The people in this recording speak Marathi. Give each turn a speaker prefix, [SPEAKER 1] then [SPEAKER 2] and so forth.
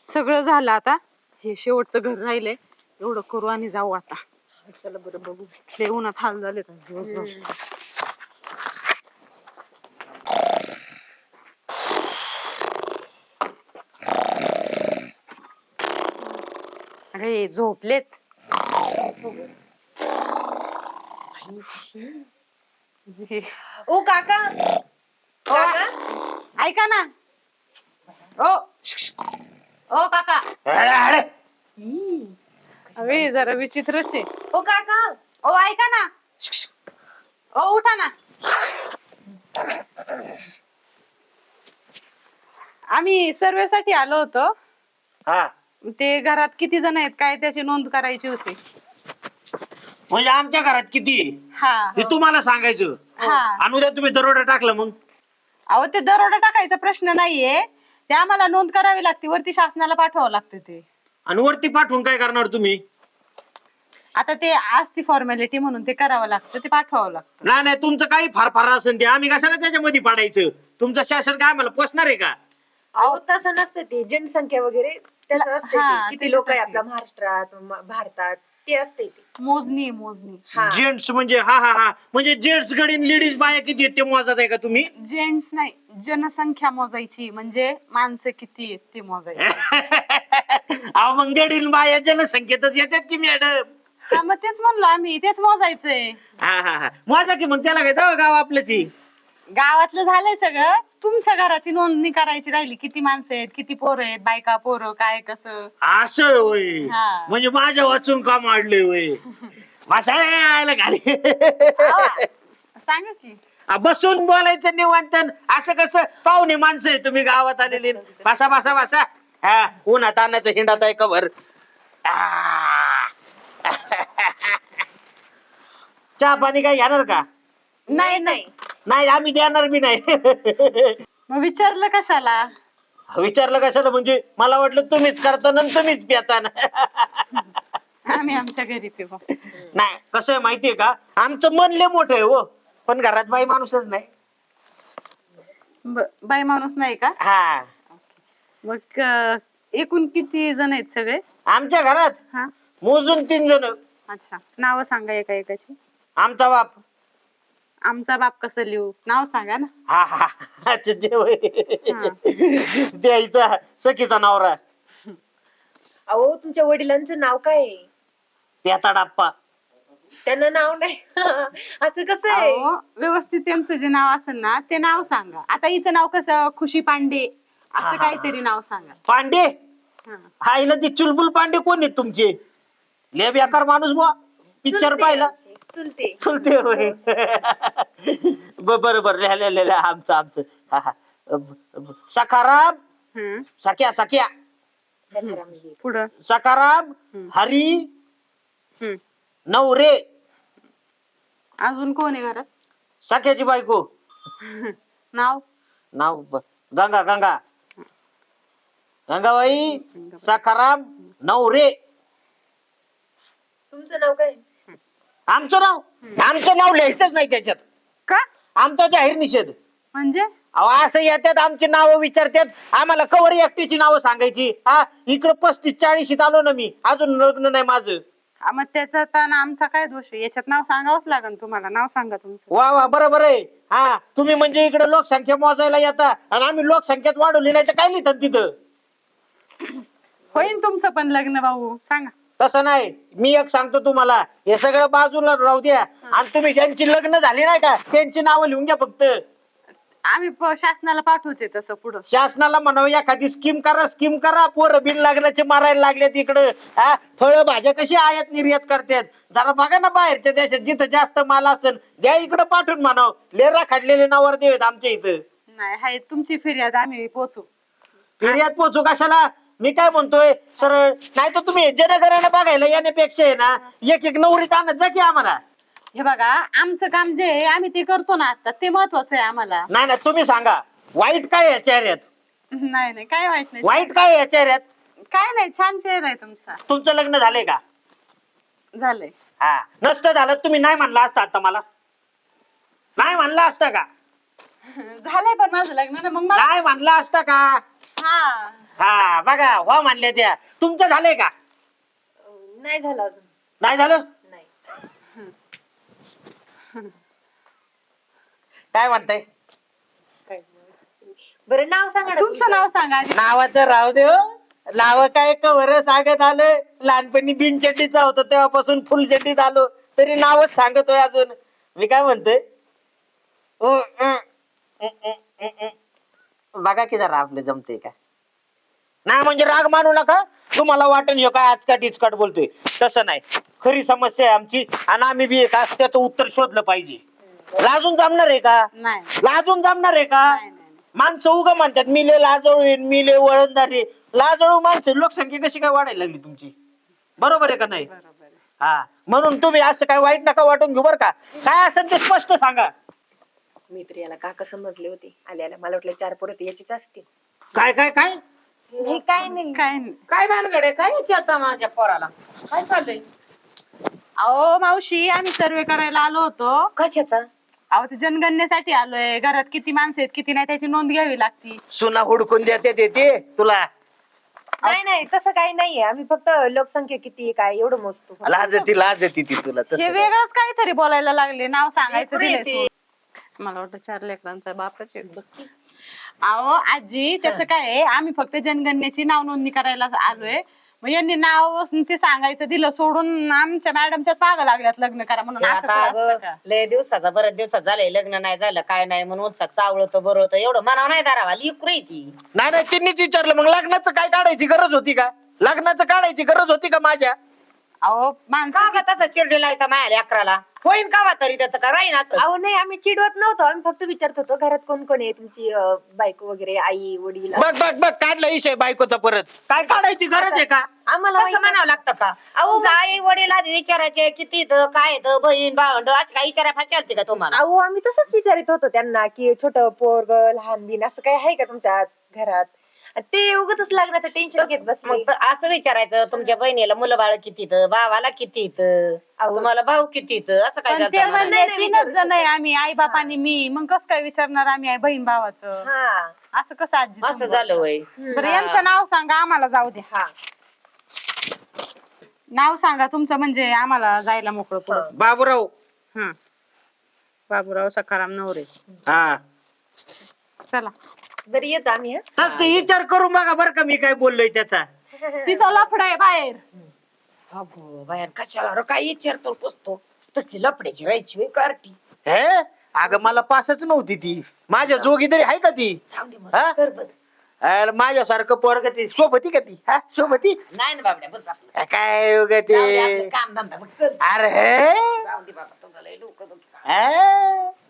[SPEAKER 1] सगळं झालं आता. हे शेवटचं घर राहिलंय, एवढं करू आणि जाऊ आता.
[SPEAKER 2] चला बरं बघू.
[SPEAKER 1] लय उन्हात हाल झाले दिवसभर. अरे झोपलेत.
[SPEAKER 2] ओ काका, काका
[SPEAKER 1] ऐका ना. ओ ओ काका. अरे जरा विचित्रच आहे.
[SPEAKER 2] ओ काका,
[SPEAKER 1] ओ ऐका ना. ओ उठा ना. आम्ही सर्वेसाठी आलो होतो.
[SPEAKER 3] हा
[SPEAKER 1] ते घरात किती जण आहेत काय त्याची नोंद करायची होती.
[SPEAKER 3] म्हणजे आमच्या घरात किती
[SPEAKER 1] हा
[SPEAKER 3] हे तुम्हाला सांगायचं.
[SPEAKER 1] हा.
[SPEAKER 3] आणि उद्या तुम्ही दरोडा टाकलं मग
[SPEAKER 1] अहो ते दरोडा टाकायचा प्रश्न नाहीये, ते आम्हाला नोंद करावी लागते, वरती शासनाला पाठवावं लागतं ते.
[SPEAKER 3] आणि वरती पाठवून काय करणार तुम्ही?
[SPEAKER 1] आता ते असती फॉर्मॅलिटी म्हणून ते करावं लागतं, ते पाठवावं लागतं.
[SPEAKER 3] नाही नाही, तुमचं काही फार असेल ते आम्ही कशाला त्याच्यामध्ये पाडायचं? तुमचं शासन काय आम्हाला पोचणार आहे का?
[SPEAKER 2] अहो तसं नसतं ते, जनसंख्या वगैरे त्याचं असते
[SPEAKER 1] हा,
[SPEAKER 2] ते. किती लोक आहे
[SPEAKER 1] त्याच्यासाठी.
[SPEAKER 2] आपल्या महाराष्ट्रात भारतात ते असते ते.
[SPEAKER 1] मोजणी
[SPEAKER 2] हा.
[SPEAKER 3] जेंट्स म्हणजे हा म्हणजे जेंट्स कडीन लेडीज बाया किती आहेत ते मोजत आहे का तुम्ही?
[SPEAKER 1] जेंट्स नाही, जनसंख्या मोजायची, म्हणजे माणसं किती आहेत ते मोजायची.
[SPEAKER 3] अहो मग गडीन बाया जनसंख्येतच येतात की मॅडम.
[SPEAKER 1] हा मग तेच म्हणलो आम्ही, तेच मोजायचंय.
[SPEAKER 3] हा मोजा की मग, त्याला काय जाऊ गाव आपल्याची.
[SPEAKER 1] गावातलं झालंय सगळं, तुमच्या घराची नोंदणी करायची राहिली. किती माणसं आहेत, किती पोरं आहेत, बायका पोरं काय कसं.
[SPEAKER 3] असं होय,
[SPEAKER 1] हा.
[SPEAKER 3] म्हणजे माझ्या वाचून का मांडले होय? बसायला घाली.
[SPEAKER 1] सांगा की.
[SPEAKER 3] बसून बोलायचं निवांत. असं कसं पाहुणे माणसं आहे तुम्ही गावात आलेले. बसा बसा बसा. हा उन्हात आणण्याचं हिंडात आहे कवर. चहा पाणी काय घेणार का?
[SPEAKER 1] नाही नाही,
[SPEAKER 3] नाही आम्ही देणार बी नाही.
[SPEAKER 1] मग विचारलं कशाला?
[SPEAKER 3] विचारलं कशाला म्हणजे मला वाटलं तुम्हीच करता ना तुम्हीच पिता ना.
[SPEAKER 1] आम्ही आमच्या घरी पिऊ.
[SPEAKER 3] नाही कसं आहे माहितीये का, आमचं मन लय मोठं आहे हो, पण घरात बाई माणूसच नाही.
[SPEAKER 1] बाई माणूस नाही का?
[SPEAKER 3] हा.
[SPEAKER 1] मग एकूण किती जण आहेत सगळे?
[SPEAKER 3] आमच्या घरात
[SPEAKER 1] हा.
[SPEAKER 3] मोजून 3 जण.
[SPEAKER 1] अच्छा, नाव सांगा एका एकाची.
[SPEAKER 3] आमचा बाप.
[SPEAKER 1] आमचा बाप कसं लिहू? नाव सांगा ना.
[SPEAKER 3] हा ते देव
[SPEAKER 1] हा.
[SPEAKER 3] द्यायचा सखीचा नवरा
[SPEAKER 2] अहो तुमच्या वडिलांचं नाव काय आहे?
[SPEAKER 3] पेताडाप्पा.
[SPEAKER 2] त्यांना नाव नाही. असं कसं आहे?
[SPEAKER 1] अहो, व्यवस्थित त्यांचं जे नाव असेल ना ते नाव सांगा. आता हिचं नाव कसं, खुशी पांडे असं काहीतरी नाव सांगा.
[SPEAKER 3] पांडे.
[SPEAKER 1] हा.
[SPEAKER 3] हा हिला ते चुलबुल पांडे कोण आहेत तुमचे? लय बेकार माणूस बुवा. पिक्चर
[SPEAKER 2] चुलते
[SPEAKER 3] पाहिला?
[SPEAKER 2] आमचे, चुलते.
[SPEAKER 3] चुलते होय. बरोबर लिहिलेलं आमचं. सखाराम.
[SPEAKER 1] हम्म.
[SPEAKER 3] सख्या
[SPEAKER 2] सखारामजी.
[SPEAKER 1] पुढं.
[SPEAKER 3] सखाराम हरी
[SPEAKER 1] हम्म.
[SPEAKER 3] नवरे.
[SPEAKER 1] अजून कोण आहे घरात?
[SPEAKER 3] सख्याची बायको.
[SPEAKER 1] नाव?
[SPEAKER 3] नाव गंगा. गंगाबाई सखाराम नवरे.
[SPEAKER 2] तुमचं नाव काय?
[SPEAKER 3] आमचं नाव लिहायचंच नाही त्याच्यात.
[SPEAKER 1] का?
[SPEAKER 3] आमचा जाहीर निषेध.
[SPEAKER 1] म्हणजे?
[SPEAKER 3] अहो असं येतात आमची नावं विचारतात, आम्हाला कवर एकटीची नावं सांगायची. हा इकडं 35-40 आलो ना मी, अजून लग्न नाही माझं.
[SPEAKER 1] मग त्याचा तर आमचा काय दोष आहे? याच्यात नाव सांगावंच लागेल तुम्हाला. नाव सांगा तुमचं.
[SPEAKER 3] वा बरोबर आहे. हा तुम्ही म्हणजे इकडे लोकसंख्या मोजायला येता आणि आम्ही लोकसंख्याच वाढवली नाही तर काय लिहितात तिथं?
[SPEAKER 1] होईल तुमचं पण लग्न भाऊ, सांगा.
[SPEAKER 3] तसं नाही, मी एक सांगतो तुम्हाला, हे सगळं बाजूला राहू द्या आणि तुम्ही ज्यांची लग्न झाली नाही का त्यांची नावं लिहून घ्या फक्त.
[SPEAKER 1] आम्ही शासनाला पाठवते तसं पुढं.
[SPEAKER 3] शासनाला म्हणावं एखादी स्कीम करा. पोरं बिन लग्नाचे मारायला लागलेत इकडं. हा फळं भाज्या कशी आयात निर्यात करतात जरा बघा ना, बाहेरच्या देशात जिथं जास्त माल असेल द्या इकडं पाठवून म्हणावं. लेरा खाडलेले नावर देवेत आमच्या इथं.
[SPEAKER 1] नाही, हाय तुमची फिर्याद आम्ही पोचू.
[SPEAKER 3] फिर्याद पोचू कशाला? मी काय म्हणतोय सरळ, नाही तर तुम्ही जनगणना बघायला येण्यापेक्षा आहे ना एक नवरीत आणत जा की आम्हाला.
[SPEAKER 1] हे बघा, आमचं काम जे आहे आम्ही ते करतो ना आता, ते महत्वाचं आहे आम्हाला.
[SPEAKER 3] नाही तुम्ही सांगा, वाईट काय आहे या चेहऱ्यात?
[SPEAKER 1] नाही काय वाईट नाही.
[SPEAKER 3] वाईट काय आहे या चेहऱ्यात?
[SPEAKER 1] काय नाही, छान चेहरा आहे तुमचा.
[SPEAKER 3] तुमचं लग्न झालंय का?
[SPEAKER 1] झालंय.
[SPEAKER 3] हा नसतं झालं तुम्ही नाही म्हणला असता आता मला? नाही म्हणला असता का?
[SPEAKER 1] झालंय पण माझं लग्न ना, मग मला.
[SPEAKER 3] नाही म्हणला असता का?
[SPEAKER 1] हा
[SPEAKER 3] हा बघा वा म्हणल्या त्या. तुमचं झालंय का?
[SPEAKER 2] नाही झालं अजून.
[SPEAKER 3] नाही झालं?
[SPEAKER 2] नाही.
[SPEAKER 3] काय म्हणताय?
[SPEAKER 2] बरं नाव सांगा ना
[SPEAKER 1] तुमचं नाव सांगा आधी.
[SPEAKER 3] नावाचं राहू दे हो. नाव काय कवर सांगत आलोय. लहानपणी बिनचड्डीचा होतो तेव्हापासून फुल चड्डीत आलो तरी नावच सांगतोय अजून. मी काय म्हणतोय बघा की जरा आपले जमते का नाही. म्हणजे राग मानू नका. तुम्हाला वाटेल हे काय आजकाट इचकाट बोलतोय, तसं नाही. खरी समस्या आहे आमची आणि आम्ही बी का त्याचं उत्तर शोधलं पाहिजे. लाजून जमणार आहे का?
[SPEAKER 1] नाही
[SPEAKER 3] लाजून जमणार आहे का?
[SPEAKER 1] नाही, नाही.
[SPEAKER 3] माणसं उगा म्हणतात मी लय लाजळू येईन, मी लय वळणदार आहे. लाजळू माणसं लोकसंख्या कशी काय वाढायला लागली तुमची? बरोबर आहे का नाही?
[SPEAKER 1] बरोबर आहे.
[SPEAKER 3] हा म्हणून तुम्ही असं काय वाईट नका वाटून घेऊ बरं का. काय असेल ते स्पष्ट सांगा.
[SPEAKER 2] मी तर याला काका समजले होते आल्याला. मला वाटलं 4 पोरं याचीच असतील.
[SPEAKER 3] काय काय काय
[SPEAKER 2] हे काय नाही.
[SPEAKER 1] काय नाही.
[SPEAKER 4] काय भानगड आहे? काय विचारता माझ्या पोराला? काय चाललंय?
[SPEAKER 1] अहो मावशी आम्ही सर्वे करायला आलो होतो.
[SPEAKER 4] कशाचा?
[SPEAKER 1] अहो ते जनगणनेसाठी आलोय. घरात किती माणसं आहेत किती नाही त्याची नोंद घ्यावी लागती.
[SPEAKER 3] सुना हुडकून देते ते तुला.
[SPEAKER 2] नाही नाही तसं काही नाहीये. आम्ही फक्त लोकसंख्या किती आहे काय एवढं मोजतो.
[SPEAKER 3] लाज येते ती तुला
[SPEAKER 1] हे
[SPEAKER 3] तसं.
[SPEAKER 1] वेगळंच काहीतरी बोलायला लागले. नाव सांगायचं
[SPEAKER 4] लेकरं
[SPEAKER 1] दिलंय
[SPEAKER 4] येते.
[SPEAKER 1] सोडून. मला वाटतं 4 लेकरांचा बापच आहे. अहो आजी त्याचं काय आहे, आम्ही फक्त जनगणनेची नाव नोंदणी करायला आलोय. मग यांनी नाव ते सांगायचं दिलं सोडून आमच्या मॅडमच्याच मागं लागल्यात लग्न करा म्हणून. असं
[SPEAKER 4] आता
[SPEAKER 1] कुठं असतं
[SPEAKER 4] अगं,
[SPEAKER 1] का?
[SPEAKER 4] लय दिवसाचा बऱ्याच दिवसात झालंय लग्न नाही झालं काय नाही म्हणून उत्साह चावळतो बरवतो एवढं मनाव नाही धरावा. लिकरू आहे ती.
[SPEAKER 3] नाही नाही तिन्हीच विचारलं. मग लग्नाचं काय काढायची गरज होती का? लग्नाचं काढायची गरज होती का माझ्या?
[SPEAKER 1] अहो माणसं
[SPEAKER 4] का ग तसं चिरडी लावता मायाला अकराला? होईन कावा तरी त्याचं का राहीनाच.
[SPEAKER 2] अहो नाही आम्ही चिडवत नव्हतो. आम्ही फक्त विचारत होतो घरात कोण कोण आहे तुमची बायको वगैरे आई वडील.
[SPEAKER 3] बघ बघ बघ काढला विषय बायकोचा परत. काय काढायची गरज आहे का?
[SPEAKER 2] आम्हाला
[SPEAKER 4] कसं
[SPEAKER 2] माहित-
[SPEAKER 4] म्हणावं लागतं का?
[SPEAKER 2] अहो,
[SPEAKER 4] तुमचं आई वडील आधी विचारायचे किती इथं, काय इथं, बहीण भावंड अशी काय विचाराय फाचालते का तुम्हाला?
[SPEAKER 2] अहो आम्ही तसंच विचारित होतो त्यांना की छोट पोरग लहान बिन असं काही आहे का तुमच्या घरात. आणि ते उगाच लग्नाचं टेन्शन घेत बसले.
[SPEAKER 4] मग असं विचारायचं तुमच्या बहिणीला मुलं बाळ किती इथं, भावाला किती इथं, तुम्हाला भाऊ किती इथं, असं काय
[SPEAKER 1] पण ते
[SPEAKER 4] झालं?
[SPEAKER 1] म्हणले
[SPEAKER 2] नाही, नाही
[SPEAKER 1] 3च
[SPEAKER 2] विचारू
[SPEAKER 1] जण आहे आम्ही आई बाप आणि मी. मग कसं काय विचारणार आम्ही बहीण भावाचं?
[SPEAKER 2] हा
[SPEAKER 1] असं कसं आजी
[SPEAKER 4] असं झालं वय.
[SPEAKER 1] बरं यांचं नाव सांगा आम्हाला जाऊ द्या.
[SPEAKER 2] हा
[SPEAKER 1] नाव सांगा तुमचं म्हणजे आम्हाला जायला मोकळं पुढं.
[SPEAKER 3] बाबूराव.
[SPEAKER 1] हं. बाबूराव सखाराम नवरे.
[SPEAKER 3] हा
[SPEAKER 1] चला
[SPEAKER 2] बरं येतो आम्ही. हा
[SPEAKER 3] तर ते विचार करून बघा बरं का मी काय बोललोय त्याचा.
[SPEAKER 1] तिचा लफडा आहे बाहेर.
[SPEAKER 4] अगो बाया कशाला रे, काय विचारतो पुसतो तसली लपड्याची राहायची वे कार्टी.
[SPEAKER 3] हे अगं मला पासच नव्हती ती. माझ्या जोगी तरी आहे का ती?
[SPEAKER 4] जाऊ दे मग.
[SPEAKER 3] हा?
[SPEAKER 4] कर बस.
[SPEAKER 3] अरे माझ्यासारखं पोरग ती सोबती का ती? हा सोबती
[SPEAKER 4] नाही ना बाबड्या बस आपलं.
[SPEAKER 3] काय उगा
[SPEAKER 4] जाऊ दे आपलं
[SPEAKER 3] ते.
[SPEAKER 4] काम धंदा बघ चल.
[SPEAKER 3] अरे हे
[SPEAKER 4] जाऊ दे बाबा तुला लय डोकं दुखतं.
[SPEAKER 3] हा?